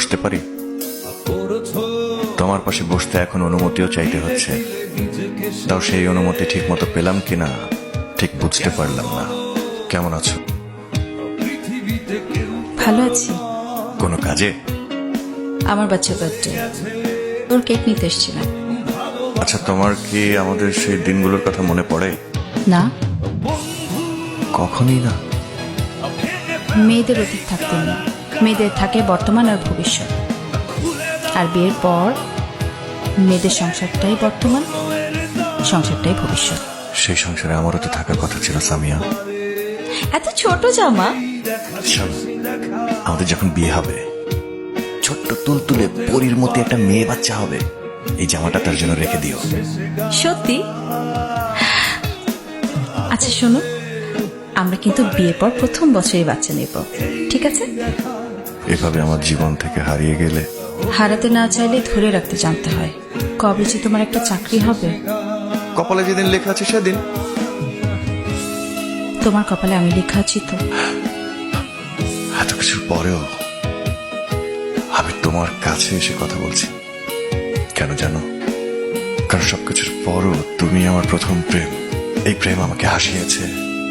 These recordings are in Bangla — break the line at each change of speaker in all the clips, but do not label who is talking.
বসতে পারি? তোমার পাশে বসতে এখন অনুমতিও চাইতে হচ্ছে, তাও সেই অনুমতি ঠিক মতো পেলাম কিনা ঠিক বুঝতে পারলাম না। কেমন আছো?
ভালো আছি।
কোনো কাজে?
আমার বাচ্চা বার্থডে, ওর কেক নিতে এসেছিলাম।
আচ্ছা, তোমার কি আমাদের সেই দিনগুলোর কথা মনে পড়ে?
না,
কখনই না।
মেয়েদের অতীত থাকতে নেই, মেয়েদের থাকে বর্তমান আর ভবিষ্যৎ। আর বিয়ের পর মেয়েদের সংসারটাই বর্তমান, সংসারটাই ভবিষ্যৎ।
সেই সংসারে আমারও তো থাকার কথা ছিল সামিয়া।
এত ছোট জামা।
শোনো, আমাদের যখন বিয়ে হবে, ছোট্ট তুলতুলে পরীর মতো একটা মেয়ে বাচ্চা হবে। এই জামাটা তার জন্য রেখে দিও।
সত্যি? আচ্ছা শোনো, আমরা কিন্তু বিয়ের পর প্রথম বছরই বাচ্চা নেব, ঠিক আছে?
এভাবে আমার জীবন থেকে হারিয়ে গেলে
হারাতে না চাইলে ধরে রাখতে জানতে হয়। কবে যে তোমার একটা চাকরি হবে?
কপালে যেদিন লেখা আছে সেদিন।
তোমার কপালে আমি লেখা আছি তো।
এত কিছুর পরেও আমি তোমার কাছে এসে কথা বলছি। কেন জানো? কারণ সবকিছুর পরও তুমি আমার প্রথম প্রেম। এই প্রেম আমাকে হাসিয়েছে,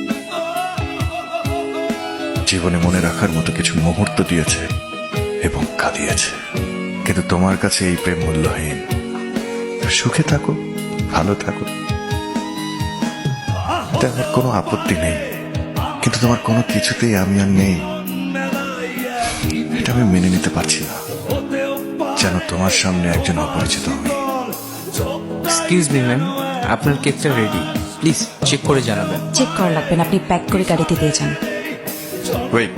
জীবনে মনে রাখার মতো কিছু মুহূর্ত দিয়েছে এবং কাঁদিয়েছে। কিন্তু তোমার কাছে এই প্রেম মূল্যহীন। সুখে থাকো, ভালো থাকো, আমার কোনো আপত্তি নেই। কিন্তু তোমার কোনো কিছুতেই আমি আর নেই, এটা আমি মেনে নিতে পারছি না। যেন তোমার সামনে একজন অপরিচিত আমি।
এক্সকিউজ মি ম্যাম, আপনার কেকটা রেডি, প্লিজ চেক করে জানাবেন।
চেক করা লাগবে না, আপনি প্যাক করে গাড়িতে দিয়ে যান।
ওয়েট,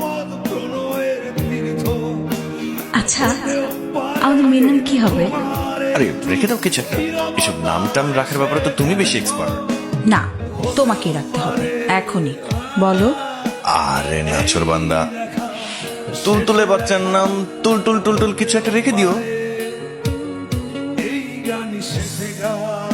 আচ্ছা, আমাদের মেয়ের নাম কি হবে?
আরে রেখে দাও কিছু একটা। এসব নাম টাম রাখার ব্যাপারে তো তুমি বেশি এক্সপার্ট।
না, তোমাকেই রাখতে হবে এখনই। বলো।
আরে নাচর বান্দা, তুলতুলে বাচ্চার নাম তুল তুল তুল তুল কিছু একটা রেখে দিও।